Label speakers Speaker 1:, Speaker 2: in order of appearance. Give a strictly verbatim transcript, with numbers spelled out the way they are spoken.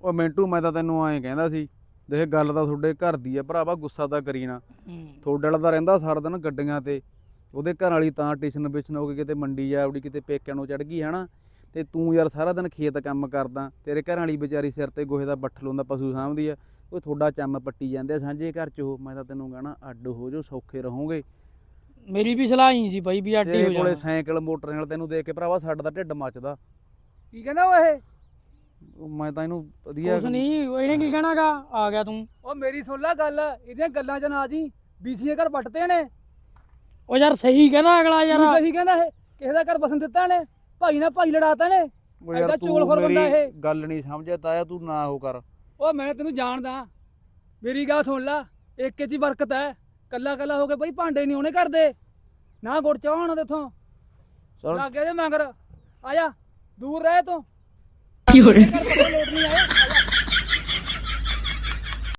Speaker 1: ਉਹ ਮਿੰਟੂ ਮੈਂ ਤਾਂ ਤੈਨੂੰ ਐਂ ਕਹਿੰਦਾ ਸੀ, ਦੇਖ ਗੱਲ ਤਾਂ ਤੁਹਾਡੇ ਘਰ ਦੀ ਆ ਭਰਾਵਾ, ਗੁੱਸਾ ਤਾਂ ਕਰੀ ਨਾ। ਤੁਹਾਡੇ ਵਾਲਾ ਤਾਂ ਰਹਿੰਦਾ ਸਾਰਾ ਦਿਨ ਗੱਡੀਆਂ ਤੇ, ਉਹਦੇ ਘਰ ਵਾਲੀ ਤਾਂ ਟਿਸ਼ਨ ਬਿਸ਼ਨ ਹੋ ਕੇ ਕਿਤੇ ਮੰਡੀ ਜਾ ਆਪਣੀ, ਕਿਤੇ ਪੇਕਿਆਂ ਨੂੰ ਚੜ ਗਈ ਹੈ ਨਾ। ਤੇ ਤੂੰ ਯਾਰ ਸਾਰਾ ਦਿਨ ਖੇਤ ਕੰਮ ਕਰਦਾ, ਤੇਰੇ ਘਰ ਵਾਲੀ ਵਿਚਾਰੀ ਸਿਰ ਤੇ ਗੋਹੇ ਦਾ ਬੱਠਲ ਹੁੰਦਾ, ਪਸ਼ੂ ਸਾਂਭਦੀ ਆ। ਉਹ ਤੁਹਾਡਾ ਚੰਮ ਪੱਟੀ ਜਾਂਦੇ ਆ ਸਾਂਝੇ ਘਰ 'ਚ। ਉਹ ਮੈਂ ਤਾਂ ਤੈਨੂੰ ਕਹਿਣਾ ਅੱਡ ਹੋ ਜਾਓ, ਸੌਖੇ ਰਹੋਗੇ।
Speaker 2: ਮੇਰੀ ਵੀ ਸਲਾਹ ਹੀ ਸੀ ਬਾਈ ਵੀ ਅੱਡ ਹੀ ਹੋ
Speaker 1: ਤੇਰੇ ਕੋਲੇ
Speaker 2: ਜਾਣਾ।
Speaker 1: ਸਾਈਕਲ ਮੋਟਰ ਨਾਲ ਤੈਨੂੰ ਦੇਖ ਕੇ ਭਰਾਵਾ ਸਾਡਾ ਤਾਂ ਢਿੱਡ ਮੱਚਦਾ।
Speaker 3: ਕੀ ਕਹਿੰਦਾ ਉਹ ਇਹ?
Speaker 1: ਉਹ ਮੈਂ ਤਾਂ ਇਹਨੂੰ ਵਧੀਆ
Speaker 2: ਕੁਛ ਨਹੀਂ, ਇਹਨੇ ਕੀ ਕਹਿਣਾਗਾ, ਆ ਗਿਆ ਤੂੰ।
Speaker 3: ਉਹ ਮੇਰੀ ਸੁਣ ਲੈ ਗੱਲ, ਇਹਦੀਆਂ ਗੱਲਾਂ 'ਚ ਨਾ ਜੀ। ਬੀਸੀਏ ਘਰ ਪੱਟਦੇ ਨੇ।
Speaker 2: ਉਹ ਯਾਰ ਸਹੀ ਕਹਿੰਦਾ ਅਗਲਾ ਯਾਰ।
Speaker 3: ਤੂੰ ਸਹੀ ਕਹਿੰਦਾ ਇਹ, ਕਿਸੇ ਦਾ ਘਰ ਬਸਣ ਦਿੱਤਾ ਨੇ, ਭਾਈ ਨਾਲ ਭਾਈ ਲੜਾਤਾ ਨੇ।
Speaker 1: ਉਹ ਯਾਰ
Speaker 3: ਐਡਾ
Speaker 1: ਤੂੰ
Speaker 3: ਚੋਲਖੋਰ ਬੰਦਾ
Speaker 1: ਮੇਰੀ
Speaker 3: ਇਹ।
Speaker 1: ਗੱਲ ਨਹੀਂ ਸਮਝਿਆ ਤਾਇਆ, ਤੂੰ ਨਾ ਉਹ ਕਰ।
Speaker 3: ਉਹ ਮੈਂ ਤੈਨੂੰ ਜਾਣਦਾ, ਮੇਰੀ ਗੱਲ ਸੁਣ ਲੈ, ਇੱਕ 'ਚ ਹੀ ਬਰਕਤ ਹੈ। ਕੱਲਾ ਕੱਲਾ ਹੋ ਕੇ ਬਈ ਭਾਂਡੇ ਨਹੀਂ ਉਹਨੇ ਕਰਦੇ, ਨਾ ਗੁੜ ਚਾਹ ਹੋਣਾ ਤੇਥੋਂ।
Speaker 1: ਚੱਲ
Speaker 3: ਲੱਗ ਗਿਆ ਜੇ ਮਗਰ, ਆ ਜਾ ਦੂਰ ਰਹਿ ਤੂੰ। ਕੀ ਹੋ ਰਿਹਾ? ਲੋਟ ਨਹੀਂ ਆਏ।